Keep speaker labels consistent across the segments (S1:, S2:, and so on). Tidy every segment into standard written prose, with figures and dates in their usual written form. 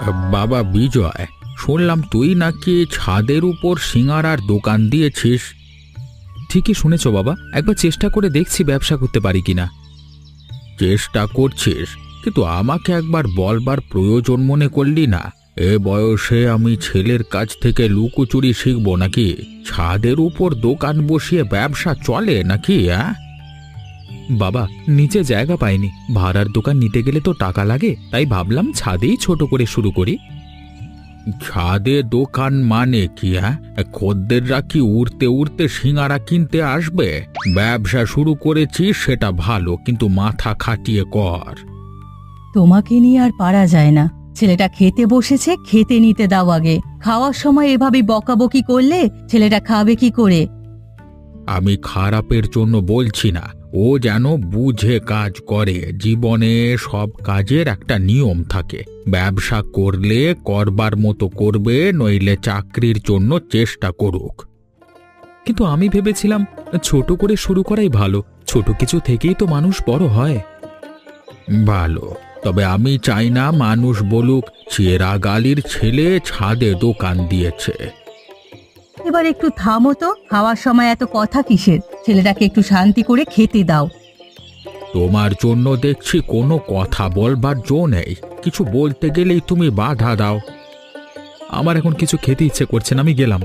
S1: বাবা বিজয়, শুনলাম তুই নাকি ছাদের উপর সিঙাড়ার দোকান দিয়েছিস।
S2: ঠিকই শুনেছ বাবা, একবার চেষ্টা করে দেখছি ব্যবসা করতে পারি কিনা।
S1: চেষ্টা করছিস, কিন্তু আমাকে একবার বলবার প্রয়োজন মনে করলি না? এ বয়সে আমি ছেলের কাছ থেকে লুকোচুরি শিখবো নাকি? ছাদের উপর দোকান বসিয়ে ব্যবসা চলে নাকি?
S2: বাবা, নিচে জায়গা পাইনি, ভাড়ার দোকান নিতে গেলে তো টাকা লাগে, তাই ভাবলাম ছাদেই ছোট করে শুরু করি।
S1: ছাদে দোকান মানে কি? খদ্দেররা কি উড়তে উড়তে সিঙাড়া কিনতে আসবে? ব্যবসা শুরু করেছিস সেটা ভালো, কিন্তু মাথা খাটিয়ে কর।
S3: তোমাকে নিয়ে আর পারা যায় না। ছেলেটা খেতে বসেছে, খেতে নিতে দাও আগে। খাওয়ার সময় এভাবে বকাবকি করলে ছেলেটা খাবে কি করে?
S1: আমি খারাপের জন্য বলছি না, ও যেন বুঝে কাজ করে। জীবনে সব কাজের একটা নিয়ম থাকে। ব্যবসা করলে করবার মতো করবে, নইলে চাকরির জন্য চেষ্টা করুক।
S2: কিন্তু আমি ভেবেছিলাম ছোট করে শুরু করাই ভালো, ছোট কিছু থেকেই তো মানুষ বড় হয়।
S1: ভালো, তবে আমি চাই না মানুষ বলুক চেরাগালির ছেলে ছাদে দোকান দিয়েছে।
S3: এবার একটু থামো তো, খাওয়ার সময় এত কথা কিসের? ছেলেটাকে একটু শান্তি করে খেতে দাও।
S1: তোমার জন্য দেখছি কোনো কথা বলবার জো নেই। কিছু বলতে গেলেই তুমি বাধা দাও।
S2: আমার এখন কিছু খেতে ইচ্ছে করছে না, আমি গেলাম।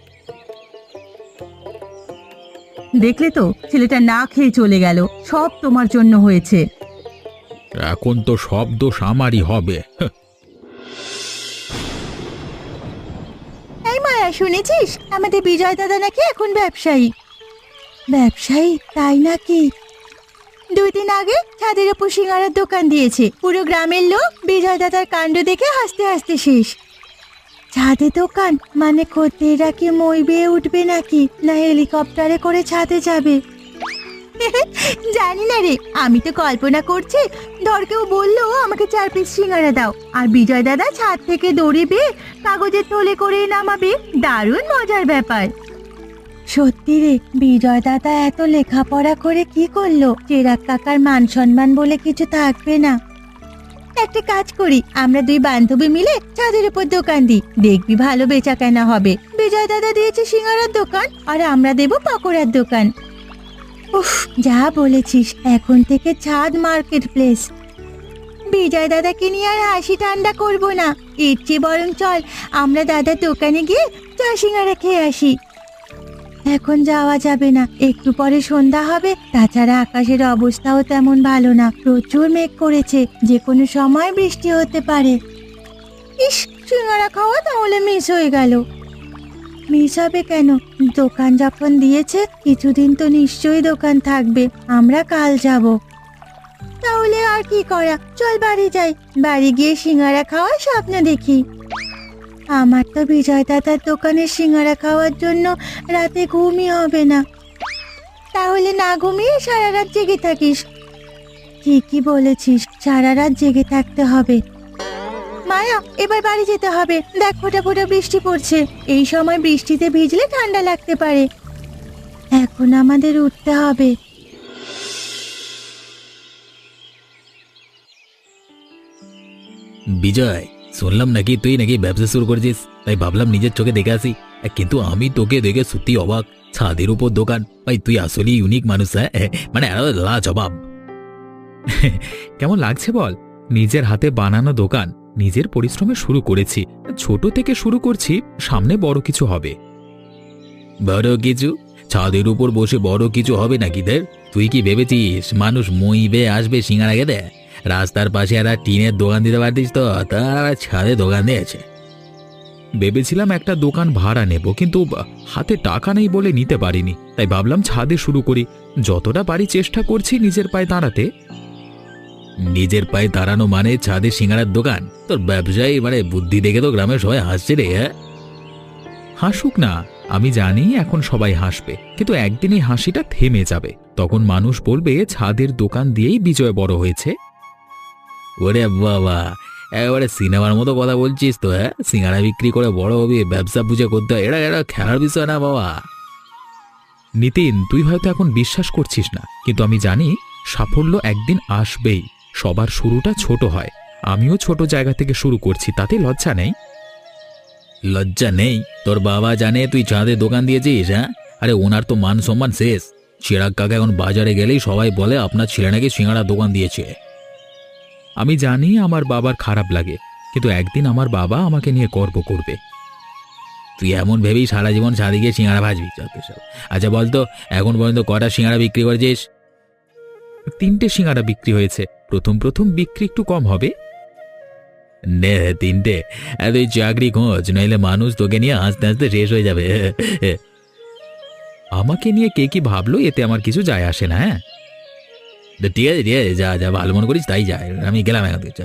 S3: দেখলে তো, ছেলেটা না খেয়ে চলে গেল। সব তোমার জন্য হয়েছে।
S1: এখন তো সব দোষ আমারই হবে।
S3: এই মায়া, শুনেছিস আমাদের বিজয় দাদা নাকি এখন ব্যবসায়ী? ব্যবসায়ী? তাই নাকি? 2 দিন আগে ছাদের উপর সিঙ্গারার দোকান দিয়েছে। পুরো গ্রামের লোক বিজয় দাদার কাণ্ড দেখে হাসতে হাসতে শেষ। ছাদে দোকান মানে খদ্দেররা কি মই বেয়ে উঠবে নাকি, না হেলিকপ্টারে করে ছাদে যাবে? জানি না রে, আমি তো কল্পনা করছি। ধর কেউ বললো আমাকে 4 পিস সিঙ্গারা দাও, আর বিজয় দাদা ছাদ থেকে দড়ি বেয়ে কাগজের থলে করে নামাবে। দারুণ মজার ব্যাপার। সত্যি রে, বিজয় দাদা এত লেখাপড়া করে কি করলো? চেরাগ কাকার মান সম্মান বলে কিছু থাকবে না। একটা কাজ করি, আমরা 2 বান্ধবী মিলে ছাদের উপর দোকান দিই, দেখবি ভালো বেচা কেনা হবে। বিজয় দাদা দিয়েছে সিঙ্গারার দোকান, আর আমরা দেব পকোড়ার দোকান। উফ, যা বলেছিস, এখন থেকে ছাদ মার্কেট প্লেস। বিজয় দাদাকে নিয়ে আর হাসি ঠান্ডা করবো না। এর চেয়ে বরং চল আমরা দাদার দোকানে গিয়ে চা সিঙ্গারা খেয়ে আসি। এখন যাওয়া যাবে না, একটু পরে সন্ধ্যা হবে। তাছাড়া আকাশের অবস্থাও তেমন ভালো না, প্রচুর মেঘ করেছে, যে কোনো সময় বৃষ্টি হতে পারে। ইস, সিঙ্গারা খাওয়া তাহলে মিস হয়ে গেল। মিস হবে কেন? দোকান যখন দিয়েছে কিছুদিন তো নিশ্চয়ই দোকান থাকবে। আমরা কাল যাব। তাহলে আর কি করা, চল বাড়ি যাই। বাড়ি গিয়ে সিঙ্গারা খাওয়ার স্বপ্ন দেখি। আমার তো বিজয় দাদার দোকানের সিঙ্গারা খাওয়ার জন্য রাতে ঘুমই হবে না। তাহলে না ঘুমিয়ে সারা রাত জেগে থাকিস? ঠিকই বলেছিস, সারা রাত জেগে থাকতে হবে। মায়া, এবার বাড়ি যেতে হবে। দেখ, ফোঁটা ফোঁটা বৃষ্টি পড়ছে। এই সময় বৃষ্টিতে ভিজলে ঠান্ডা লাগতে পারে। এখন আমাদের উঠতে হবে।
S2: বিজয়, শুনলাম নাকি তুই নাকি ব্যবসা শুরু করেছিস, তাই ভাবলাম নিজের চোখে দেখে আসি। কিন্তু আমি তোকে দেখে সত্যি অবাক। ছাদের উপর দোকান, ভাই তুই আসলে ইউনিক মানুষ। মানে লাজবাব। কেমন লাগছে বল? নিজের হাতে বানানো দোকান, নিজের পরিশ্রমে শুরু করেছি। ছোট থেকে শুরু করছি, সামনে বড় কিছু হবে। বড় কিছু? ছাদের উপর বসে বড় কিছু হবে নাকি? তুই কি ভেবেছিস মানুষ মই বেয়ে আসবে সিঙ্গারা খেতে? রাস্তার পাশে একটা টিনের দোকান দিতে পারতিস তো, তারা ছাদে দোকান দিয়েছে। ভেবেছিলাম একটা দোকান ভাড়া নেব, কিন্তু হাতে টাকা নেই বলে নিতে পারিনি। তাই ভাবলাম ছাদে শুরু করি। যতটা পারি চেষ্টা করছি নিজের পায়ে দাঁড়াতে। নিজের পায়ে দাঁড়ানো মানে ছাদে সিঙ্গারার দোকান? তোর ব্যবসায়ী মানে বুদ্ধি দেখে তো গ্রামের সবাই হাসছে রে। হাসুক না, আমি জানি এখন সবাই হাসবে, কিন্তু একদিন এই হাসিটা থেমে যাবে। তখন মানুষ বলবে ছাদের দোকান দিয়েই বিজয় বড় হয়েছে। ওরে বাবা, একেবারে সিনেমার মতো কথা বলছিস তো। সিঙ্গারা বিক্রি করে বড় হবি, ব্যবসা বুঝে করতে হয়, এটা খেলার বিষয় না বাবা। নিতিন, তুই হয়তো এখন বিশ্বাস করছিস না, কিন্তু আমি জানি সাফল্য একদিন আসবেই। সবার শুরুটা ছোট হয়, আমিও ছোট জায়গা থেকে শুরু করছি, তাতে লজ্জা নেই।
S1: লজ্জা নেই? তোর বাবা জানে তুই চাঁদের দোকান দিয়েছিস? হ্যাঁ, আরে ওনার তো মান সম্মান শেষ। চিরাগ কাকা এখন বাজারে গেলেই সবাই বলে আপনার ছেলে নাকি সিঙ্গাড়া দোকান দিয়েছে।
S2: আমি জানি আমার বাবার খারাপ লাগে, কিন্তু একদিন আমার বাবা আমাকে নিয়ে গর্ব করবে।
S1: তুই এমন ভেবেই সারা জীবন ছাদে গিয়ে সিঙ্গাড়া ভাজবি? আচ্ছা বলতো, এখন পর্যন্ত কটা সিঙ্গাড়া বিক্রি করেছিস?
S2: 3টে সিঙ্গাড়া বিক্রি হয়েছে। প্রথম প্রথম বিক্রি একটু কম হবে।
S1: নে 3টে? তুই চাকরি খোঁজ, নইলে মানুষ তোকে নিয়ে হাসতে হাসতে শেষ হয়ে যাবে।
S2: আমাকে নিয়ে কে কি ভাবলো এতে আমার কিছু যায় আসে না। হ্যাঁ
S1: ঠিক আছে ঠিক আছে, যা যা ভালো মনে করিস তাই যায়। আমি গেলাম এখন থেকে।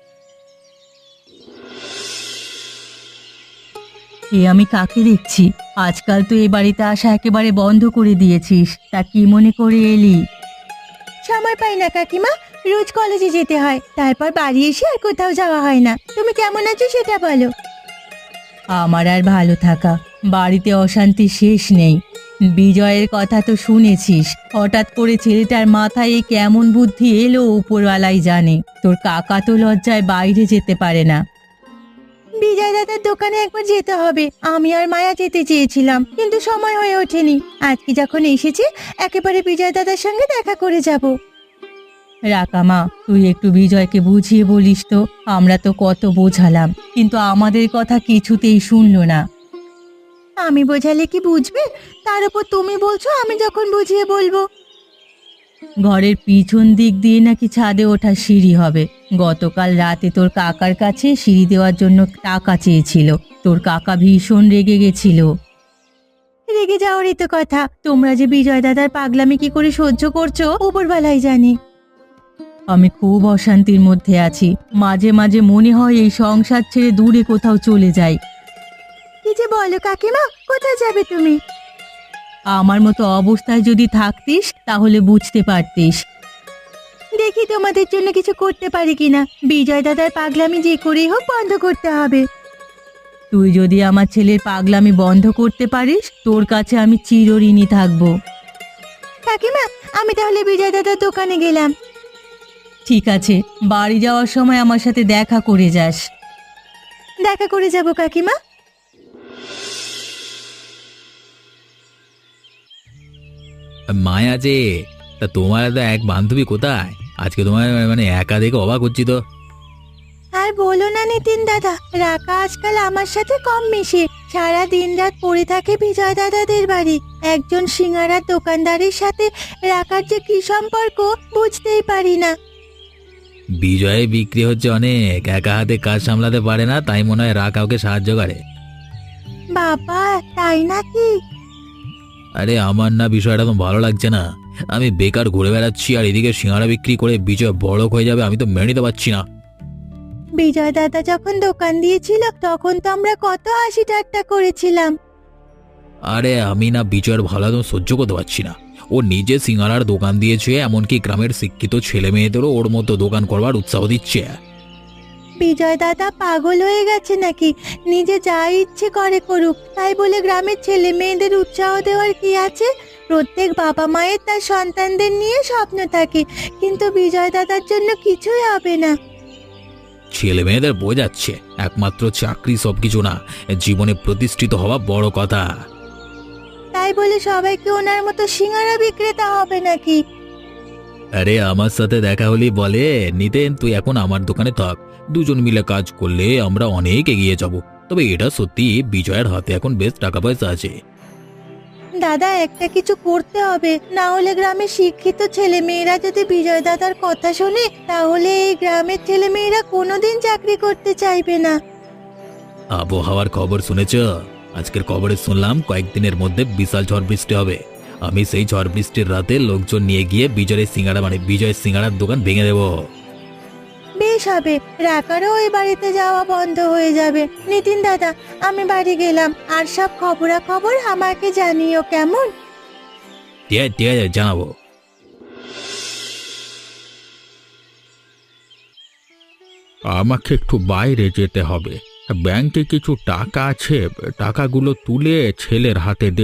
S3: এ আমি কাকে দেখছি? আজকাল তো এ বাড়িতে আসা একেবারে বন্ধ করে দিয়েছিস, তা কি মনে করে এলি? সময় পাই না কাকিমা, রোজ কলেজে যেতে হয়, তারপর বাড়ি এসে আর কোথাও যাওয়া হয় না। তুমি কেমন আছো সেটা বলো। আমার আর ভালো থাকা, বাড়িতে অশান্তি শেষ নেই। বিজয়ের কথা তো শুনেছিস, হঠাৎ করে ছেলেটার মাথায় কেমন বুদ্ধি এলো উপরওয়ালাই জানে। তোর কাকা তো লজ্জায় বাইরে যেতে পারে না। বিজয় দাদার দোকানে একবার যেতে হবে, আমি আর মায়া যেতে চেয়েছিলাম, কিন্তু সময় হয়ে ওঠেনি। আজকে যখন এসেছি একেবারে বিজয় দাদার সঙ্গে দেখা করে যাব। রাকামা, তুই একটু বিজয়কে বুঝিয়ে বলিস তো। আমরা তো কত বোঝালাম, কিন্তু আমাদের কথা কিছুতেই শুনলো না। আমি বোঝালে কি বুঝবে? তার উপর তুমি বলছো আমি যখন বুঝিয়ে বলবো। ঘরের পিছন দিক দিয়ে নাকি ছাদে ওঠা সিঁড়ি হবে। গতকাল রাতে তোর কাকার কাছে সিঁড়ি দেওয়ার জন্য টাকা চেয়েছিল। তোর কাকা ভীষণ রেগে গেছিল। রেগে যাওয়ারই তো কথা। তোমরা যে বিজয় দাদার পাগলামি কি করে সহ্য করছো উপরওয়ালাই জানে। আমি খুব অশান্তির মধ্যে আছি। মাঝে মাঝে মনে হয় এই সংসার ছেড়ে দূরে কোথাও চলে যাই। কি যে বলো কাকিমা, কোথায় যাবে তুমি? আমার মতো অবস্থায় যদি থাকতিস তাহলে বুঝতে পারতিস। দেখি তোমাদের জন্য কিছু করতে পারি কিনা। বিজয় দাদার পাগলামি যে করেই হোক বন্ধ করতে হবে। তুই যদি আমার ছেলের পাগলামি বন্ধ করতে পারিস, তোর কাছে আমি চিরঋণী থাকবো। কাকিমা, আমি তাহলে বিজয় দাদার দোকানে গেলাম। ঠিক আছে, বাড়ি যাওয়ার সময় আমার সাথে দেখা করে যাস। দেখা করে যাব কাকিমা।
S1: মায়া যে, তা তোমার তো এক বান্ধবী কোথায়? আজকে তোমার মানে একা দেখে অবাক হচ্ছি তো।
S3: আর বলো না নিতিন দাদা, রাকা আজকাল আমার সাথে কম মিশে। সারা দিন রাত পড়ে থাকে বিজয় দাদাদের বাড়ি। একজন সিঙ্গারার দোকানদারের সাথে রাকার যে কি সম্পর্ক বুঝতেই পারি না।
S1: বিজয়ে বিক্রি হচ্ছে অনেক, একা হাতে কাজ সামলাতে পারে না, তাই মনে হয় রাগ কাউকে সাহায্য করে।
S3: বাবা, তাই নাকি?
S1: আরে আমার না বিষয়টা তো ভালো লাগছে না। আমি বেকার ঘুরে বেড়াচ্ছি আর এদিকে সিঙ্গাড়া বিক্রি করে বিজয় বড়লোক হয়ে যাবে, আমি তো মেনে নিতে পারছি না।
S3: বিজয় দাদা যখন দোকান দিয়েছিল তখন তো আমরা কত হাসি ঠাট্টা করেছিলাম।
S1: আরে আমি না বিজয়ের ভালো একদম সহ্য করতে পারছি না। ও নিজে সিঙ্গাড়ার দোকান দিয়েছে, এমনকি গ্রামের শিক্ষিত ছেলে মেয়েদেরও ওর মতো দোকান করবার উৎসাহ দিচ্ছে।
S3: বিজয় দাদা পাগল হয়ে গেছে নাকি? নিজে যা ইচ্ছে করে করুক, তাই বলে গ্রামের ছেলে মেয়েদের উৎসাহ দেওয়ার কি আছে? প্রত্যেক বাবা মায়ের তার সন্তানদের নিয়ে স্বপ্ন থাকে, কিন্তু বিজয় দাদার জন্য কিছুই হবে না।
S1: ছেলে মেয়েদের বোঝাচ্ছে একমাত্র চাকরি সবকিছু না, জীবনে প্রতিষ্ঠিত হওয়া বড় কথা।
S3: তাই বলে সবাইকে ওনার মতো সিঙ্গারা বিক্রেতা হবে নাকি?
S1: আরে আমার সাথে দেখা হলেই বলে, নিতেন তুই এখন আমার দোকানে থাক, দুজন মিলে কাজ করলে আমরা অনেক এগিয়ে যাব। তবে এটা সত্যি, বিজয়ের হাতে এখন বেশ টাকা পয়সা আছে।
S3: দাদা, একটা কিছু করতে হবে, না হলে গ্রামের শিক্ষিত ছেলে মেয়েরা যদি বিজয় দাদার কথা শোনে তাহলে এই গ্রামের ছেলে মেয়েরা কোনোদিন চাকরি করতে চাইবে না।
S1: আবহাওয়ার খবর শুনেছ? আজকের খবরে শুনলাম কয়েকদিনের মধ্যে বিশাল ঝড় বৃষ্টি হবে। আমি সেই ঝড় বৃষ্টির রাতে লোকজন নিয়ে গিয়ে বিজয়ের সিঙ্গাড়ার দোকান ভেঙে দেব।
S3: বেশ হবে, রাকারও ওই বাড়িতে যাওয়া বন্ধ হয়ে যাবে। নিতিন দাদা, আমি বাড়ি গেলাম, আর সব খবরাখবর আমাকে জানিও কেমন?
S1: ঠিক আছে, জানাবো।
S2: আমাকে একটু বাইরে যেতে হবে। ব্যাংকে কিছু টাকা আছে, টাকাগুলো তুলে ছেলের হাতে দেব।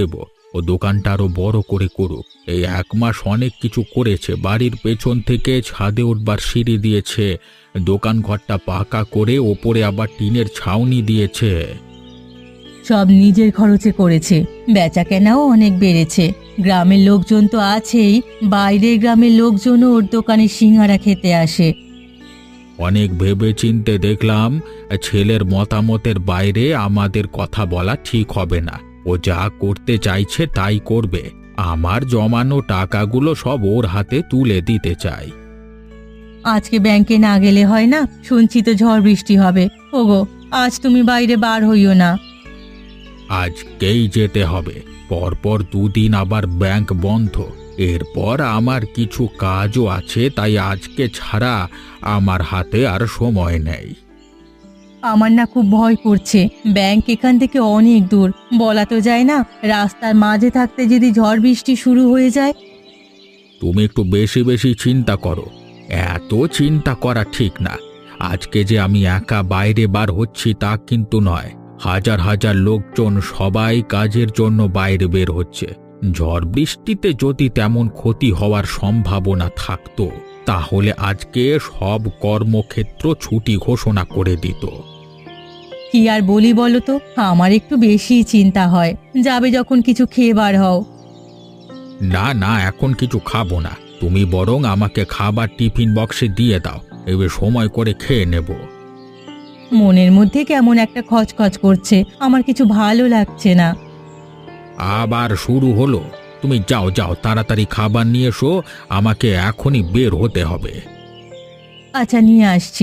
S1: ও দোকানটা আরো বড় করে করুক। এই 1 মাস অনেক কিছু করেছে, বাড়ির পেছন থেকে ছাদে উঠবার সিঁড়ি দিয়েছে, দোকান ঘরটা পাকা করে ওপরে আবার টিনের ছাউনি দিয়েছে।
S3: সব নিজের খরচে করেছে, বেচা কেনাও অনেক বেড়েছে। গ্রামের লোকজন তো আছেই, বাইরের গ্রামের লোকজনও ওর দোকানে সিঙ্গারা খেতে আসে।
S1: অনেক ভেবে চিনতে দেখলাম ছেলের মতামতের বাইরে আমাদের কথা বলা ঠিক হবে না। ও যা করতে চাইছে তাই করবে। আমার জমানো টাকাগুলো সব ওর হাতে তুলে দিতে চাই।
S3: আজকে ব্যাংকে না গেলে হয় না? শুনছি তো ঝড় বৃষ্টি হবে। ওগো, আজ তুমি বাইরে বার হইও না।
S1: আজকেই যেতে হবে। পরপর 2 দিন আবার ব্যাংক বন্ধ। এরপর আমার কিছু কাজও আছে, তাই আজকে ছাড়া আমার হাতে আর সময় নেই।
S3: আমার না খুব ভয় করছে। ব্যাংক এখান থেকে অনেক দূর, বলা তো যায় না। রাস্তার মাঝে থাকতে যদি ঝড় বৃষ্টি শুরু হয়ে যায়।
S1: তুমি একটু বেশি বেশি চিন্তা করো। এত চিন্তা করা ঠিক না। আজকে যে আমি একা বাইরে বার হচ্ছি তা কিন্তু নয়। হাজার হাজার লোকজন সবাই কাজের জন্য বাইরে বের হচ্ছে। ঝড় বৃষ্টিতে যদি তেমন ক্ষতি হওয়ার সম্ভাবনা থাকতো তাহলে আজকে সব কর্মক্ষেত্র ছুটি ঘোষণা করে দিত।
S3: কি আর বলি বলো তো, আমার একটু বেশি চিন্তা হয়। যাবে যখন কিছু খেয়ে বার হও।
S1: না না, এখন কিছু খাবো না। তুমি বরং আমাকে খাবার টিফিন বক্সে দিয়ে দাও, এবার সময় করে খেয়ে নেব।
S3: মনের মধ্যে কেমন একটা খচখচ করছে, আমার কিছু ভালো লাগছে না।
S1: আবার শুরু হলো। তুমি যাও যাও, তাড়াতাড়ি খাবার নিয়ে এসো, আমাকে এখনই বের হতে হবে।
S3: আচ্ছা, নিয়ে আসছি।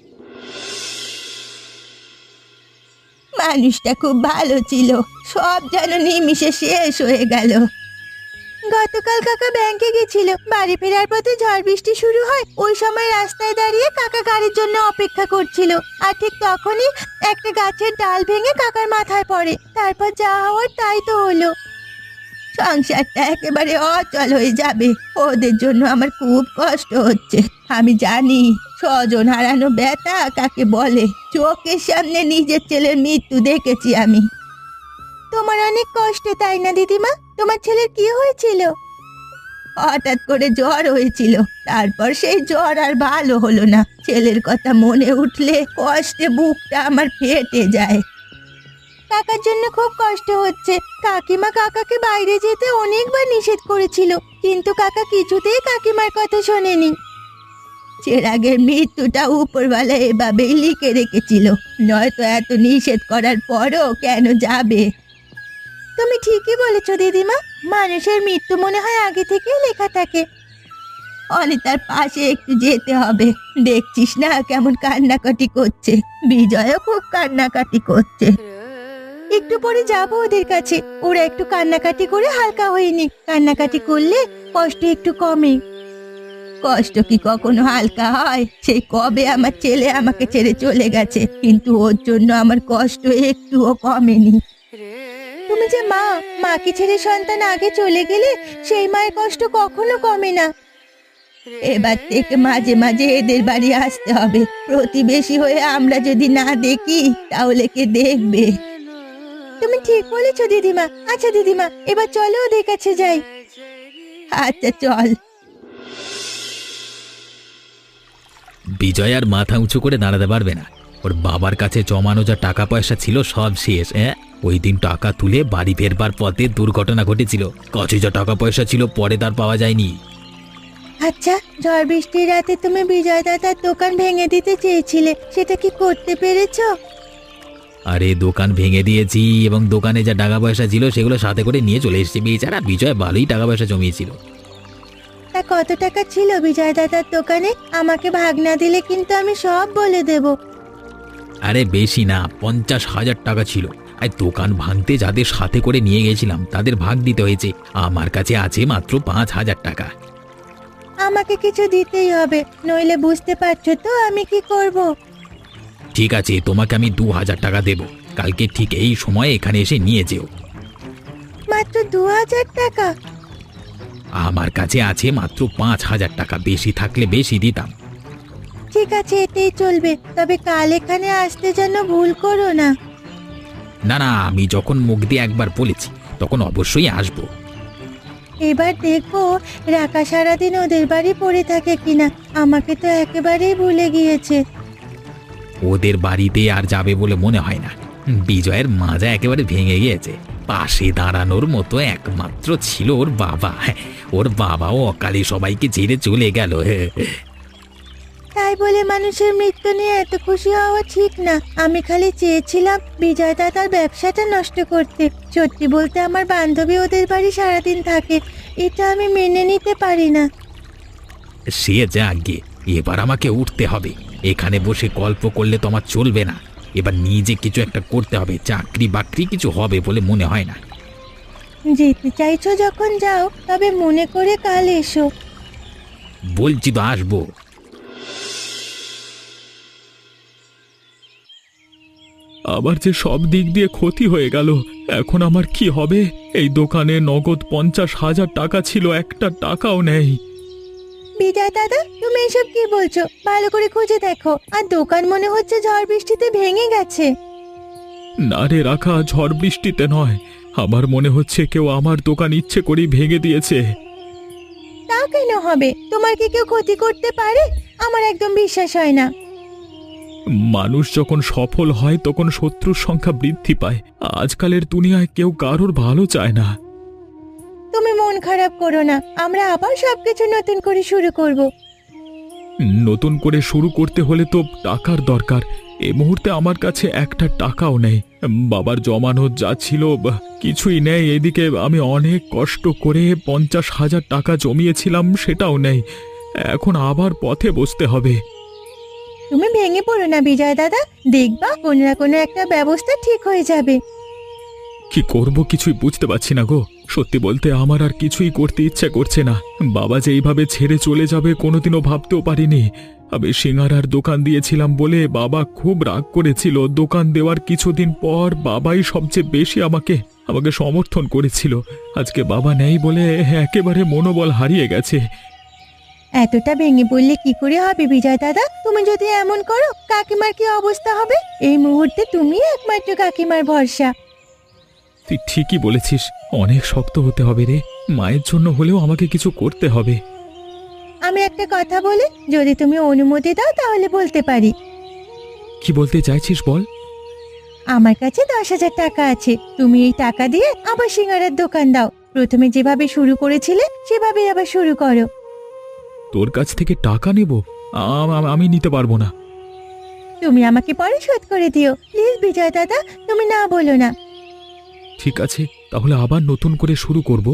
S3: মানুষটা খুব ভালো ছিল, সব যেন নিমিষে শেষ হয়ে গেল। গতকাল কাকা ব্যাংকে গেছিল, বাড়ি ফেরার পথে ঝড় বৃষ্টি শুরু হয়। ওই সময় রাস্তায় দাঁড়িয়ে কাকা গাড়ির জন্য অপেক্ষা করছিল, আর ঠিক তখনই একটা গাছের ডাল ভেঙে কাকার মাথায় পড়ে। তারপর যা হওয়ার তাই তো হলো। সংসারটা একেবারে অচল হয়ে যাবে। ওদের জন্য আমার খুব কষ্ট হচ্ছে। আমি জানি স্বজন হারানো ব্যথা কাকে বলে। চোখের সামনে নিজের ছেলের মৃত্যু দেখেছি আমি। তোমার অনেক কষ্ট, তাই না দিদিমা? তোমার ছেলের কি হয়েছিল? হঠাৎ করে জ্বর হয়েছিল, তারপর সেই জ্বর আর ভালো হলো না। ছেলের কথা মনে উঠলে কষ্টে বুকটা আমার ফেটে যায়। কাকার জন্য খুব কষ্ট হচ্ছে। কাকিমা কাকাকে বাইরে যেতে অনেকবার নিষেধ করেছিল, কিন্তু কাকা কিছুতেই কাকিমার কথা শোনেনি। চেরাগের মৃত্যুটা উপরওয়ালা এভাবেই লিখে রেখেছিল, নয়তো এত নিষেধ করার পরও কেন যাবে? তুমি ঠিকই বলেছ দিদিমা, মানুষের মৃত্যু মনে হয় আগে থেকেই লেখা থাকে। অনিতার পাশে একটু যেতে হবে। দেখছিস না কেমন কান্নাকাটি করছে। বিজয়ও খুব কান্নাকাটি করছে। একটু পরে যাবো ওদের কাছে, ওরা একটু কান্নাকাটি করে হালকা হয়নি। কান্নাকাটি করলে কষ্ট একটু কমে। কষ্ট কি কখনো হালকা হয়? সেই কবে আমার ছেলে আমাকে ছেড়ে চলে গেছে, কিন্তু ওর জন্য আমার কষ্ট একটুও কমেনি। তুমি যে মা, মাকে ছেড়ে সন্তান আগে চলে গেলে সেই মায়ের কষ্ট কখনো কমে না। এবার থেকে মাঝে মাঝে এদের বাড়ি আসতে হবে। প্রতিবেশী হয়ে আমরা যদি না দেখি তাহলে কে দেখবে? তুমি ঠিক বলেছ দিদিমা। আচ্ছা দিদিমা, এবার চলো ওদের কাছে যাই। আচ্ছা চল।
S2: বিজয় আর মাথা উঁচু করে দাঁড়াতে পারবে না। ওর বাবার কাছে জমানো যা টাকা পয়সা ছিল সব শেষ। ওই দিন টাকা তুলে বাড়ি ফেরবার পথে দুর্ঘটনা ঘটেছিল। কাছে যা টাকা পয়সা ছিল পরে তার পাওয়া যায়নি।
S3: আচ্ছা, ঝড় বৃষ্টির রাতে তুমি বিজয় দাদার দোকান ভেঙে দিতে চেয়েছিলে, সেটা কি করতে পেরেছো?
S2: আরে দোকান ভেঙে দিয়েছি, এবং দোকানে যা টাকা পয়সা ছিল সেগুলো সাথে করে নিয়ে চলে এসেছি। বেচারা বিজয় ভালোই টাকা পয়সা জমিয়েছিল।
S3: তা কত টাকা ছিল বিজয় দাদার দোকানে? আমাকে ভাগ না দিলে কিন্তু আমি সব বলে দেব।
S2: আরে বেশি না, 50,000 টাকা ছিল। আর দোকান ভাঙতে যাদের সাথে করে নিয়ে গেছিলাম তাদের ভাগ দিতে হয়েছে। আমার কাছে আছে মাত্র 5,000 টাকা।
S3: আমাকে কিছু দিতেই হবে, নইলে বুঝতে পারছো তো আমি কি করব।
S2: ঠিক আছে, তোমাকে আমি 2,000 টাকা দেব। কালকে ঠিক এই সময় এখানে এসে নিয়ে যেও।
S3: মাত্র 2,000 টাকা?
S2: আমার কাছে আছে মাত্র 5,000 টাকা, বেশি থাকলে বেশি দিতাম।
S3: ঠিক আছে, এতেই চলবে। তবে কাল এখানে আসতে যেন ভুল করো না।
S2: না না, আমি যখন মুখ দিয়ে একবার বলেছি তখন অবশ্যই আসবো।
S3: এবার দেখবো রাকা সারাদিন ওদের বাড়ি পড়ে থাকে কিনা। আমাকে তো একেবারেই ভুলে গিয়েছে।
S2: ওদের বাড়িতে আর যাবে বলে মনে হয় না। বিজয়ের মাজা একেবারে ভেঙে গিয়েছে। পাশে দাঁড়ানোর মতো একমাত্র ছিল ওর বাবা। ওর বাবাও অকালে সবাইকে ছেড়ে চলে গেল।
S3: তাই বলে মানুষের মৃত্যু নিয়ে এত খুশি হওয়া ঠিক না। আমি খালি চেয়েছিলাম বিজয় দাদার ব্যবসাটা নষ্ট করতে। সত্যি বলতে আমার বান্ধবী ওদের বাড়ি সারাদিন থাকে, এটা আমি মেনে নিতে পারি না।
S2: সে যাগে, এবার আমাকে উঠতে হবে। এখানে বসে গল্প করলে তো আমার চলবে না। এবার নিজে কিছু একটা করতে হবে। চাকরি বাকরি কিছু হবে বলে মনে হয় না।
S3: যেতে চাইছো যখন যাও, তবে মনে করে কাল এসো।
S2: বলছি তো আসবো।
S1: আবার যে সব দিক দিয়ে ক্ষতি হয়ে গেল, এখন আমার কি হবে? এই দোকানে নগদ 50,000 টাকা ছিল, একটা টাকাও নেই।
S3: বিজয় দাদা, তুমি এসব কি বলছো? ভালো করে খুঁজে দেখো। আর দোকান মনে হচ্ছে ঝড় বৃষ্টিতে ভেঙে গেছে।
S1: না রে রাখা, ঝড় বৃষ্টিতে নয়, আমার মনে হচ্ছে কেউ আমার দোকান ইচ্ছে করেই ভেঙে দিয়েছে।
S3: তা কেন হবে? তোমার কি কেউ ক্ষতি করতে পারে? আমার একদম বিশ্বাস হয় না।
S1: মানুষ যখন সফল হয় তখন শত্রুর সংখ্যা বৃদ্ধি পায়। আজকালের দুনিয়ায় কেউ কারোর ভালো চায় না।
S3: তুমি মন খারাপ করো না, আমরা আবার সবকিছু নতুন করে শুরু করব।
S1: নতুন করে শুরু করতে হলে তো টাকার দরকার। এই মুহূর্তে আমার কাছে একটা টাকাও নেই। বাবার জমানো যা ছিল কিছুই নেই। এদিকে আমি অনেক কষ্ট করে 50,000 টাকা জমিয়েছিলাম, সেটাও নেই। এখন আবার পথে বসতে হবে।
S3: তুমি ভেঙে পড়ো না বিজয় দাদা, দেখবা কোনো না কোনো একটা ব্যবস্থা ঠিক হয়ে যাবে।
S1: কি করব কিছুই বুঝতে পারছি না গো। সত্যি বলতে আমার আর কিছুই করতে ইচ্ছে করছে না। বাবা যে এইভাবে ছেড়ে চলে যাবে কোনোদিনও ভাবতেও পারিনি। আমি সিঙ্গারার দোকান দিয়েছিলাম বলে বাবা খুব রাগ করেছিল। দোকান দেওয়ার কিছুদিন পর বাবাই সবচেয়ে বেশি আমাকে সমর্থন করেছিল। আজকে বাবা নেই বলে একেবারে মনোবল হারিয়ে গেছে।
S3: এতটা ভেঙে পড়লে কি করে হবে বিজয় দাদা? তুমি যদি এমন করো, কাকিমার কি অবস্থা হবে? এই মুহূর্তে তুমি একমাত্র কাকিমার ভরসা।
S1: তুই ঠিকই বলেছিস, অনেক শক্ত হতে হবে রে। মায়ের জন্য হলেও আমাকে কিছু করতে হবে।
S3: আমি একটা কথা বলি, যদি তুমি অনুমতি দাও তাহলে বলতে পারি।
S1: কি বলতে চাইছিস বল।
S3: আমার কাছে 10,000 টাকা আছে। তুমি এই টাকা দিয়ে আবার সিঙ্গারার দোকান দাও। প্রথমে যেভাবে শুরু করেছিলে সেভাবেই আবার শুরু করো।
S1: তোর কাছ থেকে টাকা নেব? আমি নিতে পারবো না।
S3: তুমি আমাকে পরে শোধ করে দিও প্লিজ বিজয় দাদা, তুমি না বলো না।
S1: ঠিক আছে, তাহলে আবার নতুন করে শুরু করব।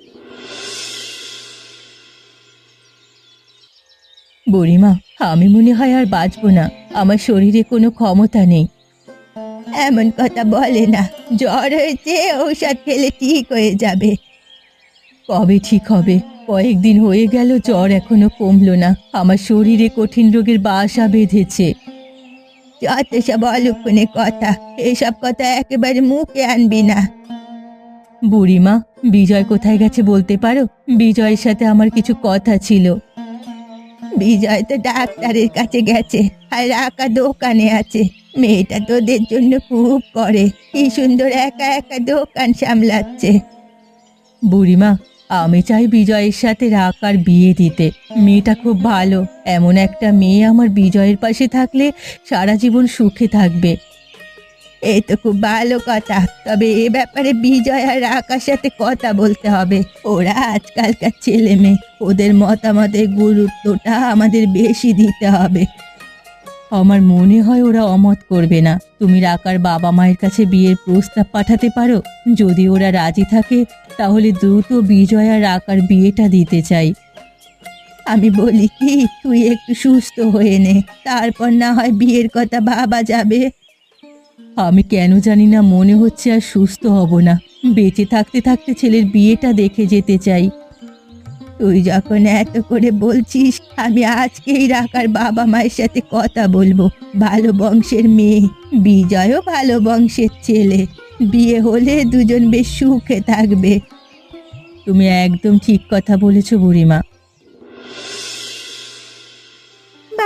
S3: বুড়িমা, আমি মনে হয় আর বাঁচবো না। আমার শরীরে কোনো ক্ষমতা নেই। এমন কথা বলে না, জ্বর হয়েছে, ঔষধ খেলে ঠিক হয়ে যাবে। কবে ঠিক হবে? কয়েকদিন হয়ে গেল, জ্বর এখনো কমলো না। আমার শরীরে কঠিন রোগের বাসা বেঁধেছে। যত সব অলক্ষণে কথা, এসব কথা একেবারে মুখে আনবি না। বুড়িমা, বিজয় কোথায় গেছে বলতে পারো? বিজয়ের সাথে আমার কিছু কথা ছিল। বিজয় তো ডাক্তারের কাছে গেছে, আর রাকা দোকানে আছে। মেয়েটা তোদের জন্য খুব করে, কি সুন্দর একা একা দোকান সামলাচ্ছে। বুড়িমা, আমি চাই বিজয়ের সাথে রাকার বিয়ে দিতে। মেয়েটা খুব ভালো। এমন একটা মেয়ে আমার বিজয়ের পাশে থাকলে সারা জীবন সুখে থাকবে। এই তো খুব ভালো কথা, তবে এ ব্যাপারে বিজয় আর রাকার সাথে কথা বলতে হবে। ওরা আজকালকার ছেলে মেয়ে, ওদের মতামতের গুরুত্বটা আমাদের বেশি দিতে হবে। আমার মনে হয় ওরা অমত করবে না। তুমি রাকার বাবা মায়ের কাছে বিয়ের প্রস্তাব পাঠাতে পারো। যদি ওরা রাজি থাকে তাহলে দ্রুত বিজয় আর রাকার বিয়েটা দিতে চাই। আমি বলি কি, তুই একটু সুস্থ হয়ে নে, তারপর না হয় বিয়ের কথা ভাবা যাবে। আমি কেন জানি না মনে হচ্ছে আর সুস্থ হব না। বেঁচে থাকতে থাকতে ছেলের বিয়েটা দেখে যেতে চাই। তুই যখন এত করে বলছিস, আমি আজকেই রাকার বাবা মায়ের সাথে কথা বলবো। ভালো বংশের মেয়ে, বিজয়ও ভালো বংশের ছেলে। বিয়ে হলে দুজন বেশ সুখে থাকবে। তুমি একদম ঠিক কথা বলেছো বুড়িমা।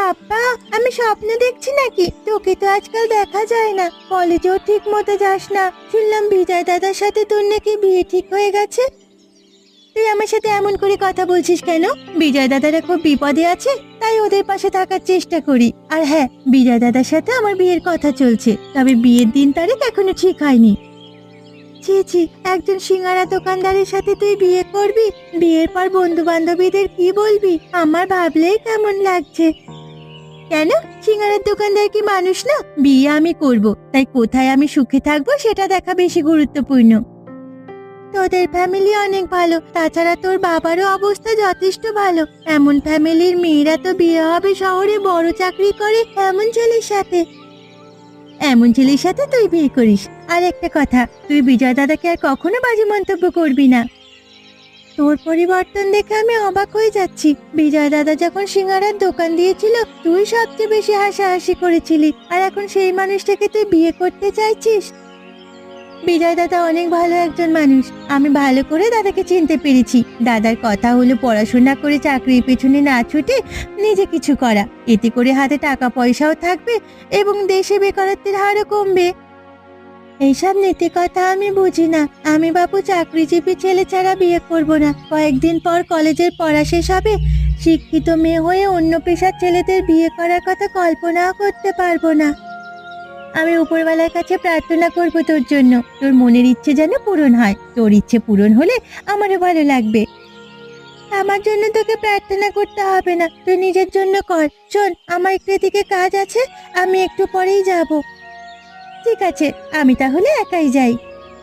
S3: বাবা, আমি স্বপ্ন দেখছি নাকি? তোকে তো আজকাল দেখা যায় না, কলেজেও ঠিক মতো যাস না। শুনলাম বিজয় দাদার সাথে তোর নাকি বিয়ে ঠিক হয়ে গেছে। তুই আমার সাথে এমন করে কথা বলছিস কেন? বিজয় দাদারা খুব বিপদে আছে, তাই ওদের পাশে থাকার চেষ্টা করি। আর হ্যাঁ, বিজয় দাদার সাথে আমার বিয়ের কথা চলছে, তবে বিয়ের দিন তারিখ এখনো ঠিক হয়নি। ছি ছি, একজন সিঙ্গারা দোকানদারের সাথে তুই বিয়ে করবি? বিয়ের পর বন্ধু বান্ধবীদের কি বলবি? আমার ভাবলেই কেমন লাগছে। কেন, সিঙ্গারার দোকানদার কি মানুষ না? বিয়ে আমি করব, তাই কোথায় আমি সুখে থাকবো সেটা দেখা বেশি গুরুত্বপূর্ণ। তোদের ফ্যামিলি অনেক ভালো, তাছাড়া তোর বাবারও অবস্থা যথেষ্ট ভালো। এমন ফ্যামিলির মেয়েরা তো বিয়ে হবে শহরে বড় চাকরি করে এমন ছেলের সাথে। এমন ছেলের সাথে তুই বিয়ে করিস? আর একটা কথা, তুই বিজয় দাদাকে আর কখনো বাজে মন্তব্য করবি না। তোর পরিবর্তন দেখে আমি অবাক হয়ে যাচ্ছি। বিজয় দাদা যখন সিঙ্গারার দোকান দিয়েছিল, তুই সবচেয়ে বেশি হাসাহাসি করেছিলি, আর এখন সেই মানুষটাকে তুই বিয়ে করতে চাইছিস? বিজয় দাদা অনেক ভালো একজন মানুষ, আমি ভালো করে দাদাকে চিনতে পেরেছি। দাদার কথা হলো পড়াশোনা করে চাকরির পেছনে না ছুটে নিজে কিছু করা, এতে করে হাতে টাকা পয়সাও থাকবে এবং দেশে বেকারত্বের হারও কমবে। এইসব নীতি কথা আমি বুঝি না। আমি বাবু চাকরিজীবী ছেলে ছাড়া বিয়ে করব না। কয়েকদিন পর কলেজের পড়া শেষ হবে, শিক্ষিত মেয়ে হয়ে অন্য পেশার ছেলেদের বিয়ে করার কথা কল্পনাও করতে পারবো না। আমি উপরওয়ালার কাছে প্রার্থনা করব তোর জন্য, তোর মনের ইচ্ছে যেন পূরণ হয়। তোর ইচ্ছে পূরণ হলে আমারও ভালো লাগবে। আমার জন্য তোকে প্রার্থনা করতে হবে না, তুই নিজের জন্য কর। শোন, আমার একটু এদিকে কাজ আছে, আমি একটু পরেই যাব। ঠিক আছে, আমি তাহলে একাই যাই।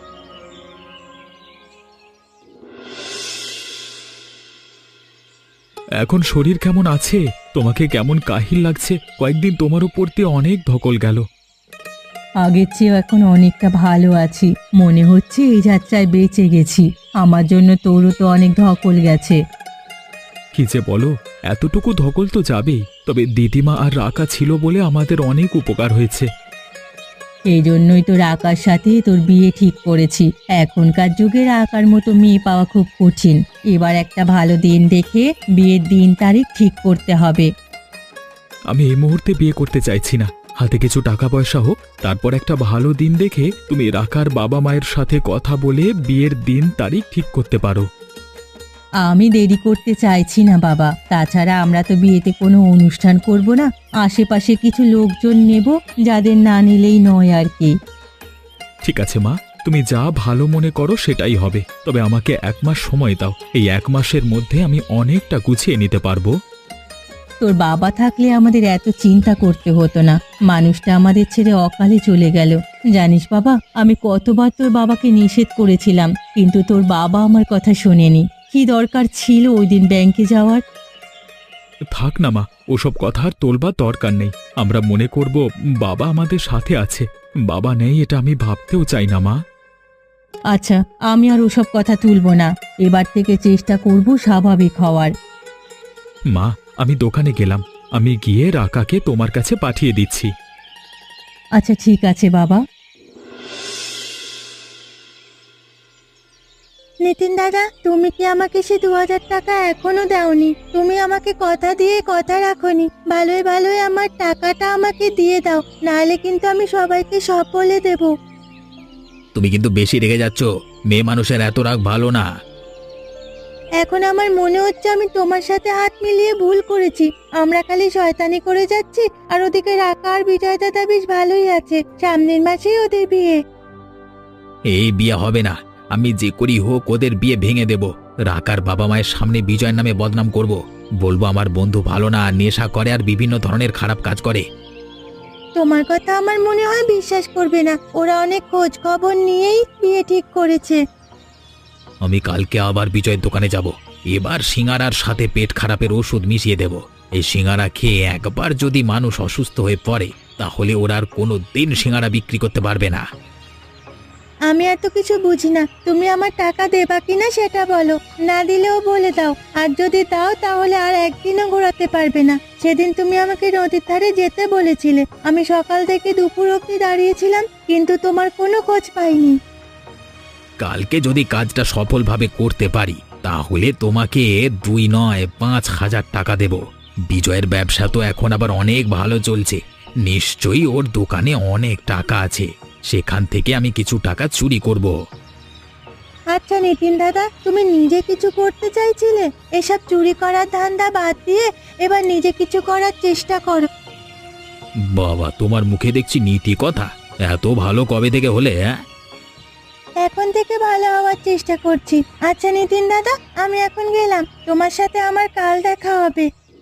S2: এখন শরীর কেমন আছে? তোমাকে কেমন কাহিল লাগছে? কয়েকদিন তোমার উপর দিয়ে অনেক ধকল গেল।
S3: আগের চেয়েও এখন অনেকটা ভালো আছি, মনে হচ্ছে এই যাত্রায় বেঁচে গেছি। আমার জন্য তোরও তো অনেক ধকল গেছে।
S2: কি যে বলো, এতটুকু ধকল তো যাবেই, তবে দিদিমা আর রাকা ছিল বলে আমাদের অনেক উপকার হয়েছে।
S3: এই জন্যই তো রাকার সাথে তোর বিয়ে ঠিক করেছি। এখনকার যুগে রাকার মতো মেয়ে পাওয়া খুব কঠিন। এবার একটা ভালো দিন দেখে বিয়ের দিন তারিখ ঠিক করতে হবে।
S2: আমি এই মুহূর্তে বিয়ে করতে চাইছি না, হাতে কিছু টাকা পয়সা হোক, তারপর একটা ভালো দিন দেখে তুমি রাকার বাবা মায়ের সাথে কথা বলে বিয়ের দিন তারিখ ঠিক করতে পারো।
S3: আমি দেরি করতে চাইছি না বাবা, তাছাড়া আমরা তো বিয়েতে কোনো অনুষ্ঠান করব না, আশেপাশে কিছু লোকজন নেব, যাদের না নিলেই নয় আর কি।
S2: ঠিক আছে মা, তুমি যা ভালো মনে করো সেটাই হবে, তবে আমাকে 1 মাস সময় দাও। এই 1 মাসের মধ্যে আমি অনেকটা গুছিয়ে নিতে পারবো।
S3: তোর বাবা থাকলে আমাদের এত চিন্তা করতে হতো না। মানুষটা আমাদের ছেড়ে অকালে চলে গেল। জানিস বাবা, আমি কতবার তোর বাবাকে নিষেধ করেছিলাম, কিন্তু তোর বাবা আমার কথা শোনেনি। কি দরকার ছিল ওই দিন ব্যাংকে যাওয়ার?
S2: থাক না মা, ওসব কথা আর তোলবার দরকার নেই। আমরা মনে করব বাবা আমাদের সাথে আছে। বাবা নেই এটা আমি ভাবতেও চাই না মা।
S3: আচ্ছা, আমি আর ওসব কথা তুলবো না। এবার থেকে চেষ্টা করব স্বাভাবিক হওয়ার।
S2: মা, আমি দোকানে গেলাম, আমি গিয়ে রাকাকে তোমার কাছে পাঠিয়ে দিচ্ছি।
S3: আচ্ছা ঠিক আছে বাবা। নিতিন দাদা, তুমি কি আমাকে সে 2000 টাকা এখনো দাওনি? তুমি আমাকে কথা দিয়ে কথা রাখোনি। ভালোই ভালোই আমার টাকাটা আমাকে দিয়ে দাও, নাহলে কিন্তু আমি সবাইকে সব বলে দেব।
S1: তুমি কিন্তু বেশি রেগে যাচ্ছ, মেয়ে মানুষের এত রাগ ভালো না।
S3: এখন আমার মনে হচ্ছে আমি তোমার সাথে হাত মিলিয়ে ভুল করেছি। আমরা খালি শয়তানি করে যাচ্ছি, আর ওদিকে রাকা আর বিজয় দাদা বেশ ভালোই আছে। সামনের মাসেই ওদের বিয়ে।
S1: এই বিয়ে হবে না, আমি যে করি হোক ওদের বিয়ে ভেঙে দেব। রাকার বাবা মায়ের সামনে বিজয়ের নামে বদনাম করব, বলবো আমার বন্ধু ভালো না, নেশা করে আর বিভিন্ন ধরনের খারাপ কাজ করে।
S3: তোমার কথা আমার মনে হয় বিশ্বাস করবে না। ওরা অনেক খোঁজ খবর নিয়েই বিয়ে ঠিক করেছে।
S1: আমি কালকে আবার বিজয়ের দোকানে যাব। এবার সিঙ্গারার সাথে পেট খারাপের ওষুধ মিশিয়ে দেব। এই সিঙ্গারা খেয়ে একবার যদি মানুষ অসুস্থ হয়ে পড়ে, তাহলে ওরা আর কোনো দিন সিঙ্গারা বিক্রি করতে পারবে না।
S3: আমি এত কিছু বুঝি না, তুমি আমার টাকা দেবা কিনা সেটা বলো। না দিলেও বলে দাও, আর যদি দাও তাহলে আর একদিনও ঘোরাতে পারবে না। সেদিন তুমি আমাকে নদীর ধারে যেতে বলেছিলে, আমি সকাল থেকে দুপুর অবধি দাঁড়িয়েছিলাম, কিন্তু তোমার কোনো খোঁজ পাইনি।
S1: কালকে যদি কাজটা সফলভাবে করতে পারি, তাহলে তোমাকে 2 নয় 5,000 টাকা দেব।
S2: বিজয়ের ব্যবসা তো এখন আবার অনেক ভালো চলছে। নিশ্চয়ই ওর দোকানে অনেক টাকা আছে, সেখান থেকে আমি কিছু টাকা চুরি করব।
S3: আচ্ছা নিতিন দাদা, তুমি নিজে কিছু করতে চাইছিলে, এসব চুরি করার ধান্দা বাদ দিয়ে এবার নিজে কিছু করার চেষ্টা করো।
S2: বাবা, তোমার মুখে দেখছি নীতি কথা। এত ভালো কবে থেকে হলে? হ্যাঁ,
S3: এখন থেকে ভালো হওয়ার চেষ্টা করছি। আচ্ছা নিতিন দাদা, আমি এখন গেলাম, তোমার সাথে আমার কাল দেখা হবে।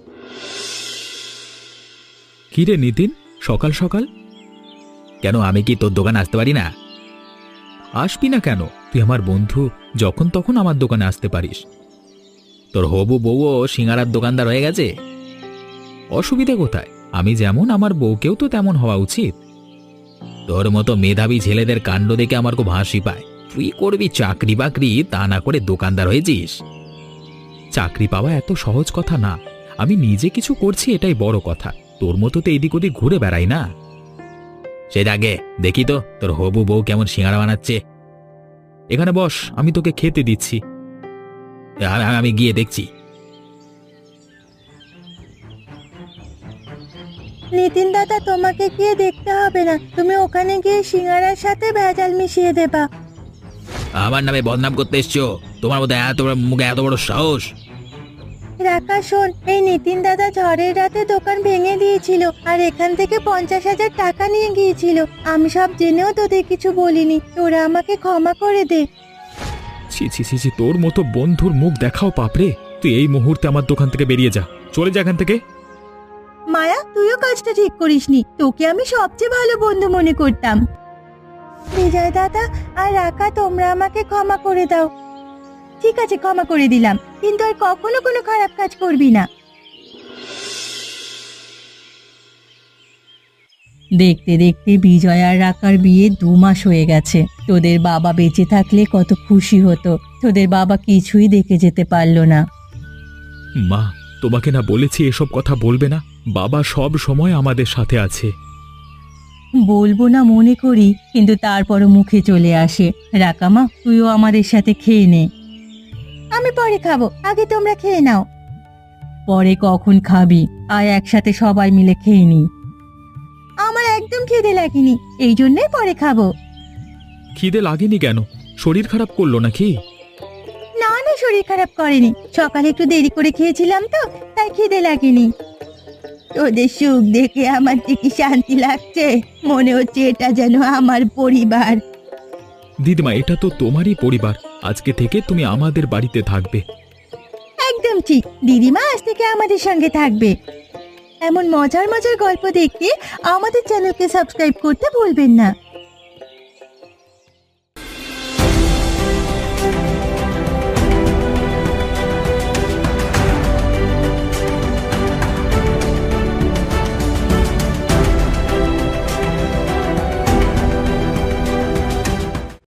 S2: কি রে নিতিন, সকাল সকাল? কেন, আমি কি তোর দোকানে আসতে পারি না? আসবি না কেন? তুই আমার বন্ধু, যখন তখন আমার দোকানে আসতে পারিস। তোর হবু বউও সিঙ্গারার দোকানদার হয়ে গেছে। অসুবিধা কোথায়? আমি যেমন, আমার বউকেও তো তেমন হওয়া উচিত। তোর মতো মেধাবী ছেলেদের কাণ্ড দেখে আমার খুব হাসি পায়। তুই করবি চাকরি বাকরি, তা না করে দোকানদার হয়েছিস। চাকরি পাওয়া এত সহজ কথা না। আমি নিজে কিছু করছি, এটাই বড় কথা। তোর মতো তো এদিক ওদিক ঘুরে বেড়াই না। সেই আগে দেখি তো তোর হবু বউ কেমন সিঙ্গারা বানাচ্ছে। এখানে বস, আমি তোকে খেতে দিচ্ছি। আমি গিয়ে দেখছি।
S3: নিতিন দাদা, তোমাকে গিয়ে দেখতে হবে না, তুমি ওখানে গিয়ে সিঙ্গারার সাথে ভেজাল মিশিয়ে দেবা।
S2: আমার নামে বদনাম করতে এসছো? তোমার মধ্যে এত বড় মুখে এত বড় সাহস?
S3: রাকা শোন, এই নিতিন দাদা ঝড়ের রাতে দোকান ভেঙে দিয়েছিল আর এখান থেকে 50,000 টাকা নিয়ে গিয়েছিল। আমি সব জেনেও তোদের কিছু বলিনি, তোরা আমাকে ক্ষমা করে দে।
S2: ছি ছি ছি ছি, তোর মতো বন্ধুর মুখ দেখাও পাপড়ে। তুই এই মুহূর্তে আমার দোকান থেকে বেরিয়ে যা, চলে যা এখান থেকে।
S3: মায়া, তুইও কাজটা ঠিক করিসনি, তোকে আমি সবচেয়ে ভালো বন্ধু মনে করতাম। বিজয় দাদা আর রাকা, তোমরা আমাকে ক্ষমা করে দাও। ঠিক আছে, ক্ষমা করে দিলাম, কিন্তু আর কখনো কোনো খারাপ কাজ করবি না। দেখতে দেখতে বিজয় আর রাকার বিয়ে 2 মাস হয়ে গেছে। তোদের বাবা বেঁচে থাকলে কত খুশি হতো, তোদের বাবা কিছুই দেখে যেতে পারলো না।
S2: মা, তোমাকে না বলেছি এসব কথা বলবে না? বাবা সব সময় আমাদের সাথে আছে।
S3: বলবো না মনে করি, কিন্তু তারপরও মুখে চলে আসে। রাকামা, তুইও আমাদের সাথে খেয়ে নে। আমি পরে খাবো, আগে তোমরা খেয়ে নাও। পরে কখন খাবি? আয় একসাথে সবাই মিলে খেয়ে নি। আমার একদম খিদে লাগেনি, এই জন্যই পরে খাবো।
S2: খিদে লাগেনি কেন? শরীর খারাপ করলো নাকি?
S3: না না, শরীর খারাপ করেনি, সকালে একটু দেরি করে খেয়েছিলাম তো, তাই খিদে লাগেনি। তোদের সুখ দেখে আমার যে কি শান্তি লাগছে, মনে হচ্ছে এটা যেন আমার পরিবার।
S2: দিদিমা, এটা তো তোমারই পরিবার। আজকে থেকে তুমি আমাদের বাড়িতে থাকবে।
S3: একদম ঠিক, দিদিমা আজ থেকে আমাদের সঙ্গে থাকবে। এমন মজার মজার গল্প দেখতে আমাদের চ্যানেলকে সাবস্ক্রাইব করতে ভুলবেন না।